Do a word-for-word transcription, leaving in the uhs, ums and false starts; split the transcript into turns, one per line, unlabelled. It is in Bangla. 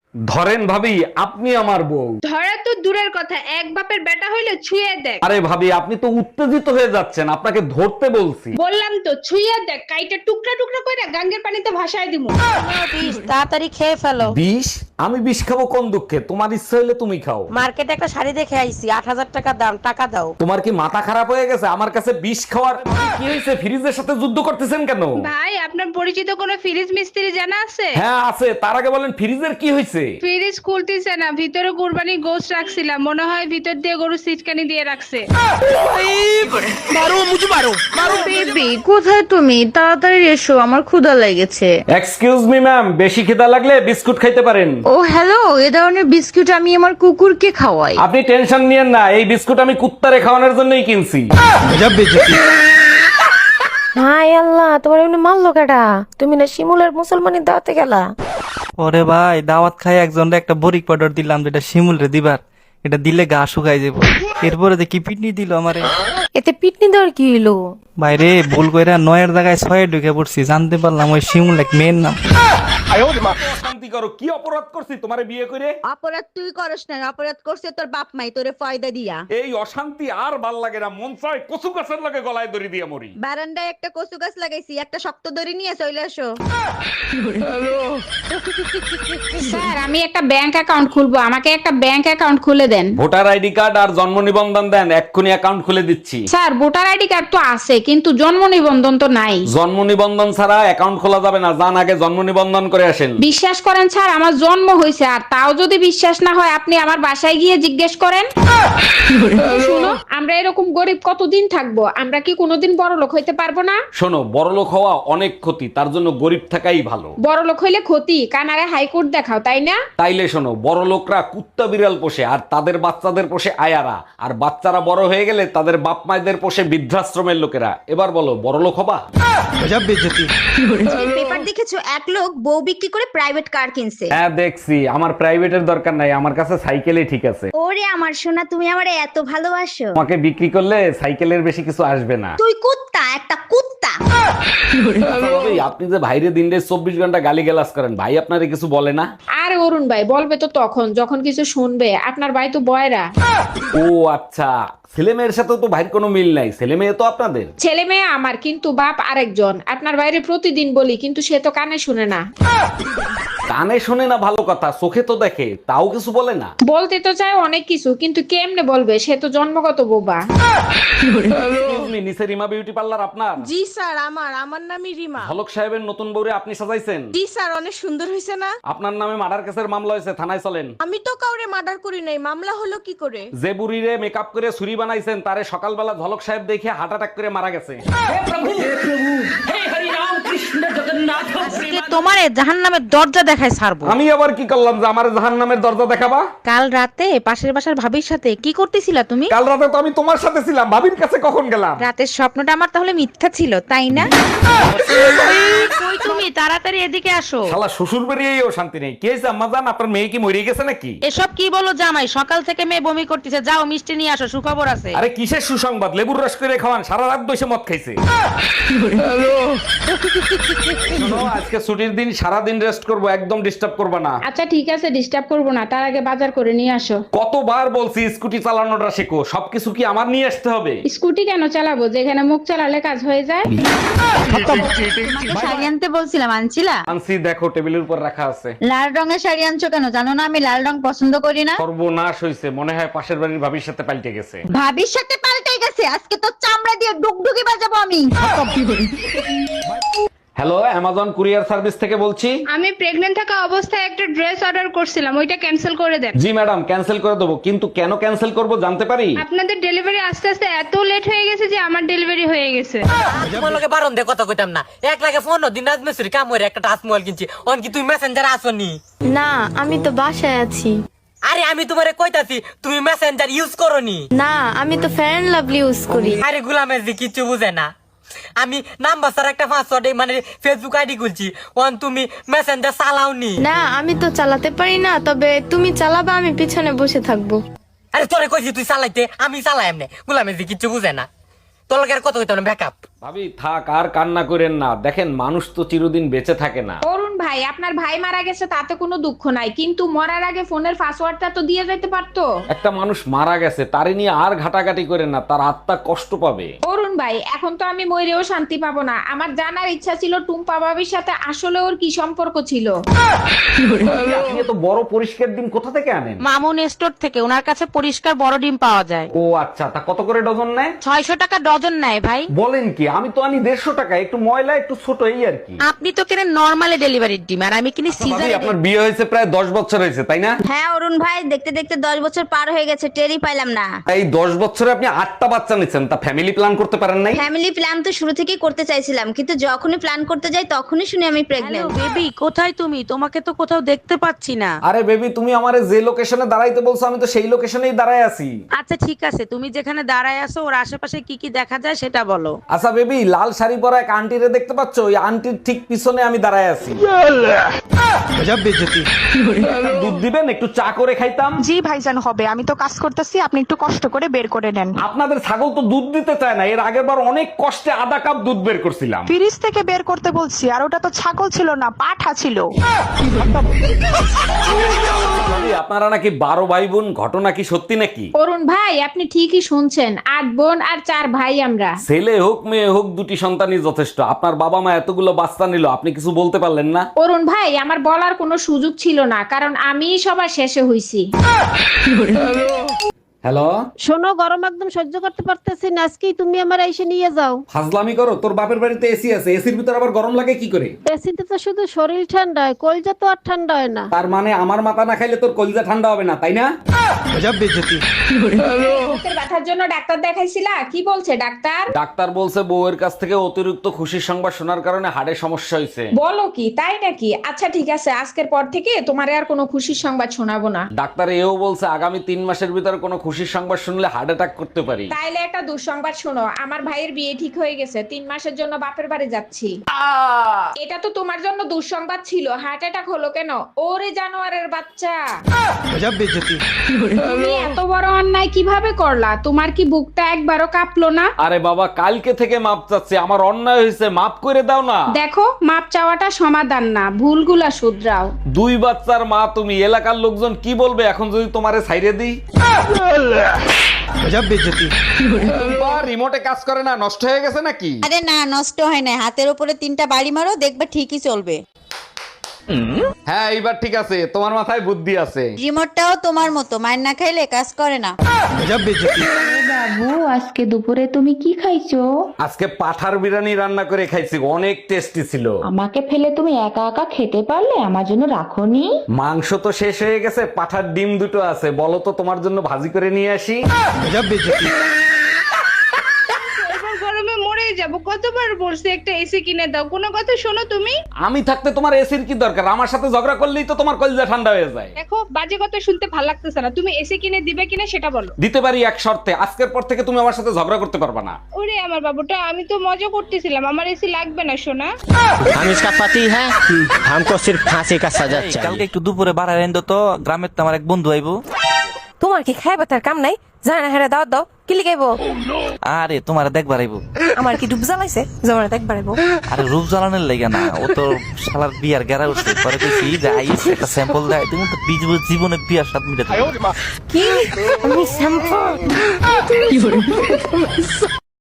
ধরেন ভাবি, আপনি আমার বউ।
ধরা তো দূরের কথা, এক বাপের বেটা হইলে ছুঁয়ে দেখ।
আরে ভাবি, আপনি তো উত্তেজিত হয়ে যাচ্ছেন, আপনাকে ধরতে বলছি।
বললাম তো ছুঁয়ে দেখ, কাইটা টুকরা টুকরা করে গাঙ্গের পানিতে ভাসায় দিমু।
বিষ তাড়াতাড়ি খেয়ে ফেলো।
বিষ? আমি বিষ খাবো কোন দুঃখে? তোমার ইচ্ছা হইলে তুমি খাও।
মার্কেটে একটা শাড়ি দেখে আইছি, আট হাজার টাকা দাম, টাকা দাও।
তোমার কি মাথা খারাপ হয়ে গেছে আমার কাছে বিষ খাওয়ার? কি হয়েছে, ফ্রিজের সাথে যুদ্ধ করতেছেন কেন?
ভাই, আপনার পরিচিত কোনো ফ্রিজ মিস্ত্রি জানা আছে?
হ্যাঁ আছে, তার আগে বলেন ফ্রিজের কি হয়েছে?
ফ্রিজ খুলতেছে না, ভিতরে কুরবানি গোশ রাখছিলাম, মনে হয় ভিতর দিয়ে গরু সিটকানি দিয়ে রাখছে।
বেবি কোথায় তুমি? তাড়াতাড়ি এসো, আমার ক্ষুধা লেগেছে।
এক্সকিউজ মি ম্যাম, বেশি খিদা লাগলে বিস্কুট খাইতে পারেন।
ও হ্যালো, এ ধরনের বিস্কুট আমি আমার কুকুরকে খাওয়াই।
আপনি টেনশন নিয়েন না, এই বিস্কুট আমি কুত্তারে খাওয়ানোর জন্যই কিনছি।
হাই আল্লাহ, তোমার এমনি মারলো কেডা? তুমি না শিমুলের মুসলমানি দাওয়াতে গেলা?
ওরে ভাই, দাওয়াত খাই একজনরে একটা বরিক পাউডার দিলাম, যেটা শিমুল রে দিবার, এটা দিলে গা শুকাই যাবো। এরপরে দেখি পিটনি দিল আমারে।
এতে পিটনি দেওয়ার কি হইলো?
বাইরে ভুল কইরা নয়ের জায়গায় ছয়ে ঢুকে পড়ছি, জানতে পারলাম ওই শিমুল এক মেয়ের নাম।
শান্তি করো, কি অপরাধ করছি তোমারে বিয়ে করে?
অপরাধ তুই করস না, অপরাধ করছে তোর বাপ মাই তোরে ফয়দা দিয়া।
এই অশান্তি আর ভাল লাগে না, মন চায় কচু গাছের লগে গলায় দড়ি দিয়ে মরি।
বারান্দায় একটা কচু গাছ লাগাইছি, একটা শক্ত দড়ি নিয়ে চলে আসো।
স্যার, আমি একটা ব্যাংক অ্যাকাউন্ট খুলবো, আমাকে একটা ব্যাংক অ্যাকাউন্ট খুলে দেন।
ভোটার আইডি কার্ড আর জন্ম নিবন্ধন দেন, এক্ষুনি অ্যাকাউন্ট খুলে দিচ্ছি।
স্যার, ভোটার আইডি কার্ড তো আছে, কিন্তু জন্ম নিবন্ধন তো নাই।
জন্ম নিবন্ধন ছাড়া অ্যাকাউন্ট খোলা যাবে না, যান আগে জন্ম নিবন্ধন করে আসেন।
বিশ্বাস করেন স্যার, আমার জন্ম হয়েছে, আর তাও যদি বিশ্বাস না হয় আপনি আমার বাসায় গিয়ে জিজ্ঞেস করেন। শুনো, আমরা এরকম গরিব কতদিন থাকবো? আমরা কি কোনোদিন বড় লোক হইতে পারবো না?
শোনো, বড়লোক হওয়া অনেক ক্ষতি, তার জন্য গরিব থাকাই ভালো।
বড় লোক হইলে ক্ষতি, কানারে হাইকোর্ট দেখাও, তাই না?
তাইলে শোনো, বড় লোকরা কুত্তা বিড়াল পোষে আর তাদের বাচ্চাদের পোষে আয়ারা, আর বাচ্চারা বড় হয়ে গেলে তাদের বাপ মায়েদের পোষে বৃদ্ধাশ্রমের লোকেরা। এবার বলো, বড় লোক হবা?
পেপার দেখেছো, এক লোক বউ বিক্রি করে প্রাইভেট কার কিনছে।
হ্যাঁ দেখছি, আমার প্রাইভেটের দরকার নাই, আমার কাছে সাইকেলই ঠিক আছে।
ওরে আমার সোনা, তুমি আমারে এত ভালোবাসো।
তোমাকে বিক্রি করলে সাইকেলের বেশি কিছু আসবে না।
তুই কুত্তা, একটা কুত্তা।
আচ্ছা ভাবি, আপনি যে ভাইরে দিন চব্বিশ ঘন্টা গালি গালাজ করেন, ভাই আপনারে কিছু বলে না?
আরে অরুণ ভাই, বলবে তো তখন যখন কিছু শুনবে, আপনার ভাই তো বয়রা।
ও আচ্ছা, ছেলে মেয়ের সাথে তো ভাইয়ের কোনো মিল নাই, ছেলে মেয়ে তো আপনাদের।
ছেলে মেয়ে আমার, কিন্তু বাপ আরেকজন। আপনার বাইরে প্রতিদিন বলি, কিন্তু সে তো কানে শুনে না।
কানে শোনে না ভালো কথা, চোখে তো দেখে, তাও কিছু বলে না।
বলতে তো চায় অনেক কিছু, কিন্তু কেমনে বলবে? সে তো জন্মগত বোবা।
Excuse me, নিচে রিমা বিউটি পার্লার আপনার?
জি স্যার, আমার আমার নামই রিমা।
হলক সাহেবের নতুন বউরে আপনি সাজাইছেন?
জি স্যার, অনেক সুন্দর হয়েছে না?
আপনার নামে মার্ডার কেসের মামলা হয়েছে, থানায় চলেন।
আমি তো কাউরে মার্ডার করি নাই, মামলা হলো কি করে?
যে বুড়িরে মেকআপ করে ছুরি বানাইছেন, তারে সকালবেলা ঝলক সাহেব দেখে হার্ট অ্যাটাক করে মারা গেছে।
আজকে তোমারে জাহান্নামের দরজা দেখায় ছাড়বো।
আমি আবার কি করলাম যে আমার জাহান্নামের দরজা দেখাবা?
কাল রাতে পাশের বাসার ভাবির সাথে কি করতেছিলা তুমি?
কাল রাতে তো আমি তোমার সাথে ছিলাম, ভাবির কাছে কখন গেলাম?
রাতের স্বপ্নটা আমার তাহলে মিথ্যা ছিল, তাই না? কই তুমি? তাড়াতাড়ি এদিকে আসো।
শালা শ্বশুর বাড়িয়েও শান্তি নেই। কি হয়েছে আম্মা জান, আপনার মেয়ে কি মরে গেছে নাকি?
এসব কি বলো জামাই? সকাল থেকে মেয়ে বমি করতেছে, যাও মিষ্টি নিয়ে আসো, সুখবর আছে।
আরে কিসের সুসংবাদ? লেবুর রস করে খাওয়ান, সারা রাত বসে মদ খাইছে। শোনো, আজকে ছুটির দিন, সারা দিন রেস্ট করব, একদম ডিস্টার্ব করবে না।
আচ্ছা ঠিক আছে, ডিস্টার্ব করবো না, তার আগে বাজার করে নিয়ে আসো।
কতবার বলছি স্কুটি চালানোটা শেখো, সবকিছু কি আমার নিয়ে আসতে হবে?
স্কুটি কেন চালাবো, যেখানে মুখ চালালে কাজ হয়ে যায়?
শাড়ি আনতে বলছিলাম, আনছিলা?
আনছি, দেখো টেবিলের উপর রাখা আছে।
লাল রঙের শাড়ি আনছো কেন? জানো না আমি লাল রং পছন্দ করি না।
সর্বনাশ হয়েছে, মনে হয় পাশের বাড়ির ভাবির সাথে পাল্টে গেছে।
ভাবির সাথে পাল্টে গেছে, আজকে তো চামড়া দিয়ে ডুগডুগি বাজাবো আমি।
হ্যালো, অ্যামাজন কুরিয়ার সার্ভিস থেকে বলছি।
আমি প্রেগন্যান্ট থাকা অবস্থায় একটা ড্রেস অর্ডার করছিলাম, ওইটা ক্যান্সেল করে দেন।
জি ম্যাডাম, ক্যান্সেল করে দেবো, কিন্তু কেন ক্যান্সেল করব জানতে পারি?
আপনাদের ডেলিভারি আস্তে আস্তে এত লেট হয়ে গেছে যে আমার ডেলিভারি হয়ে গেছে।
তোমার লগে বারণ দিয়ে কথা কইতাম না, এক লাগে ফোন দিন রাত মেসুরি কাম করে একটা টাচ মোবাইল কিনছি, অন কি তুমি মেসেঞ্জার আসনি?
না, আমি তো বাসায় আছি।
আরে আমি তোমারে কইতাছি তুমি মেসেঞ্জার ইউজ করনি।
না, আমি তো ফেয়ার এন্ড লাভলি ইউজ করি।
আরে গুলামের যে কিছু বুঝে না, আমি নাম্বার স্যার একটা পাসওয়ার্ড মানে ফেসবুক আইডি খুলছি, অন তুমি মেসেঞ্জার চালাওনি।
না, আমি তো চালাতে পারি না, তবে তুমি চালাবা, আমি পিছনে বসে থাকবো।
আরে তোরে কইছি তুই চালাইতে, আমি চালাই এমনি, গুলামের যে কিছু বুঝে না। তোর লগে আর কথা কইতাম না, ব্যাকআপ।
ভাবি থাক, আর কান্না করেন না, দেখেন মানুষ তো চিরদিন বেঁচে থাকে না।
অরুণ ভাই, আপনার ভাই মারা গেছে তাতে কোনো দুঃখ নাই, কিন্তু মরার আগে ফোনের পাসওয়ার্ডটা তো দিয়ে যেতে পারতো।
একটা মানুষ মারা গেছে, তারে নিয়ে আর ঘাটাঘাটি করে না, তার আত্মা কষ্ট পাবে।
অরুণ ভাই, এখন তো আমি মরেও শান্তি পাবো না। আমার জানার ইচ্ছা ছিল টুম্পা ভাবির সাথে আসলে ওর কি সম্পর্ক ছিল।
আপনি এত বড় পরিষ্কার ডিম কোথা থেকে আনেন?
মামুন স্টোর থেকে, ওনার কাছে পরিষ্কার বড় ডিম পাওয়া যায়।
ও আচ্ছা, তা কত করে ডজন নেয়?
ছয়শো টাকা ডজন নেয় ভাই।
বলেন কি? আমি তো আনি দেড়শো টাকা, একটু ময়লা একটু ছোট এই আর কি।
আপনি তো কেনেন নরমালি ডেলিভারির ডিম, আর আমি কিনি
ভাবি,
সিজার।
আপনার বিয়ে হয়েছে প্রায় দশ বছর হয়েছে তাই না?
হ্যাঁ অরুণ ভাই, দেখতে দেখতে দশ বছর পার হয়ে গেছে, টেরই পাইলাম না।
এই দশ বছরে আপনি আটটা বাচ্চা নিচ্ছেন, তা ফ্যামিলি প্ল্যান করতে পারেন নাই?
ফ্যামিলি প্ল্যান তো শুরু থেকেই করতে চাইছিলাম, কিন্তু যখনই প্ল্যান করতে যাই তখনই শুনি আমি প্রেগন্যান্ট।
বেবি কোথায় তুমি? তোমাকে তো কোথাও দেখতে পাচ্ছি না।
আরে বেবি, তুমি আমারে যে লোকেশনে দাঁড়াইতে বলছো আমি তো সেই লোকেশনেই দাঁড়ায় আছি।
আচ্ছা ঠিক আছে, তুমি যেখানে দাঁড়ায় আছো ওর আশেপাশে কি কি দেখা যায় সেটা বলো।
আচ্ছা বেবি, লাল শাড়ি পরা এক আন্টিরে দেখতে পাচ্ছ? ওই আন্টির ঠিক পিছনে আমি দাঁড়ায় আছি। দুধ দিবেন? একটু চা করে খাইতাম।
জি ভাইজান হবে, আমি তো কাজ করতেছি, আপনি একটু কষ্ট করে বের করে নেন।
আপনাদের ছাগল তো দুধ দিতে চায় না, এর আগের বার অনেক কষ্টে আধা কাপ দুধ বের করছিলাম।
ফ্রিজ থেকে বের করতে বলছি, আর ওটা তো ছাগল ছিল না, পাঠা ছিল।
ভাবি, আপনারা নাকি বারো ভাই বোন, ঘটনা কি সত্যি নাকি?
অরুণ ভাই, আপনি ঠিকই শুনছেন, আট বোন আর চার ভাই আমরা।
ছেলে হোক মেয়ে হোক, দুটি সন্তানই যথেষ্ট। আপনার বাবা মা এতগুলো বাচ্চা নিল, আপনি কিছু বলতে পারলেন না?
অরুণ ভাই, আমার বলার কোনো সুযোগ ছিল না, কারণ আমিই সবার শেষে হইছি।
হ্যালো,
শোনো, গরম একদম সহ্য করতে পারতেছি না, আজকেই তুমি আমার এসে নিয়ে যাও।
ফাজলামি করো? তোর বাপের বাড়িতে এসি আছে, এসির ভিতর আবার গরম লাগে কি করে?
এসিতে তো শুধু শরীর ঠান্ডা হয়, কলজা তো আর ঠান্ডা হয় না।
তার মানে আমার মাথা না খাইলে তোর কলিজা ঠান্ডা হবে না, তাই না?
বুকের ব্যথার জন্য ডাক্তার দেখাইছিলা? কি বলছে ডাক্তার?
ডাক্তার বলছে বউয়ের কাছ থেকে অতিরিক্ত খুশির সংবাদ শোনার কারণে হাড়ে সমস্যা হয়েছে।
বলো কি, তাই নাকি? আচ্ছা ঠিক আছে, আজকের পর থেকে তোমারে আর কোনো খুশির সংবাদ শোনাবো না।
ডাক্তার এও বলছে আগামী তিন মাসের ভিতরে কোনো খুশির সংবাদ শুনলে হার্ট অ্যাটাক করতে পারি।
তাইলে একটা দুঃসংবাদ শোনো, আমার ভাইয়ের বিয়ে ঠিক হয়ে গেছে, তিন মাসের জন্য বাপের বাড়ি যাচ্ছি। এটা তো তোমার জন্য দুঃসংবাদ ছিল, হার্ট অ্যাটাক হলো কেন? ওরে জানোয়ারের বাচ্চা, তুমি এত বড় অন্যায় কিভাবে করলা? তোমার কি বুকটা একবারও কাঁপলো না?
আরে বাবা, কালকে থেকে মাপ চাচ্ছি, আমার অন্যায় হয়েছে, মাপ করে দাও না।
দেখো, মাপ চাওয়াটা সমাধান না, ভুলগুলা শুধরাও।
দুই বাচ্চার মা তুমি, এলাকার লোকজন কি বলবে এখন যদি তোমারে ছাইরে দিই? রিমোটে কাজ করে না, নষ্ট হয়ে গেছে নাকি?
আরে না, নষ্ট হয় না, হাতের উপরে তিনটা বাড়ি মারো, দেখবে ঠিকই চলবে।
হ্যাঁ এইবার ঠিক আছে, তোমার মাথায় বুদ্ধি আছে।
রিমোটটাও তোমার মতো, মায়ের না খাইলে কাজ করে না।
বাবু, আজকে দুপুরে তুমি কি খাইছো?
আজকে পাঠার বিরিয়ানি রান্না করে খাইছি, অনেক টেস্টি ছিল।
আমাকে ফেলে তুমি একা একা খেতে পারলে, আমার জন্য রাখোনি?
মাংস তো শেষ হয়ে গেছে, পাঠার ডিম দুটো আছে, বলো তো তোমার জন্য ভাজি করে নিয়ে আসি।
গরমে মরে যাব, কতবার বলছি একটা এসি কিনে দাও, কোনো কথা শোনো তুমি?
আমি থাকতে তোমার এসির কি দরকার? আমার সাথে ঝগড়া করলেই তো তোমার কলিজা ঠান্ডা হয়ে যায়।
দেখো, বাজে কথা শুনতে ভালো লাগতেছে না, তুমি এসি কিনে দিবে কিনা সেটা বলো।
দিতে পারি এক শর্তে, আজকের পর থেকে তুমি আমার সাথে ঝগড়া করতে পারবা না।
ওরে আমার বাবুটা, আমি তো মজা করতেছিলাম, আমার এসি লাগবে না সোনা।
हम इसका पति है, हमको सिर्फ फांसी का सजा
এই,
चाहिए।
কালকে একটু দুপুরে বাড়ায় এনে তো, গ্রামের তো আমার এক বন্ধু আইবো।
তোমার কি খাইবা তার কাম নাই? জানা হেরা দাও দাও, কি লিখাইবো?
আরে তোমার দেখবার আইবো।
আমার কি ডুব জ্বালাইছে? জমানা দেখবার আইবো।
আরে রূপ জ্বালানোর লাগে না, ও তো শালার বিয়ার গেরা উঠছে, পরে কইছি যে আইস একটা স্যাম্পল দেয়, তুমি তো বিজ- জীবনে বিয়ার স্বাদ মিটাতে পারবে না।
কি? আমি শ্যাম্পু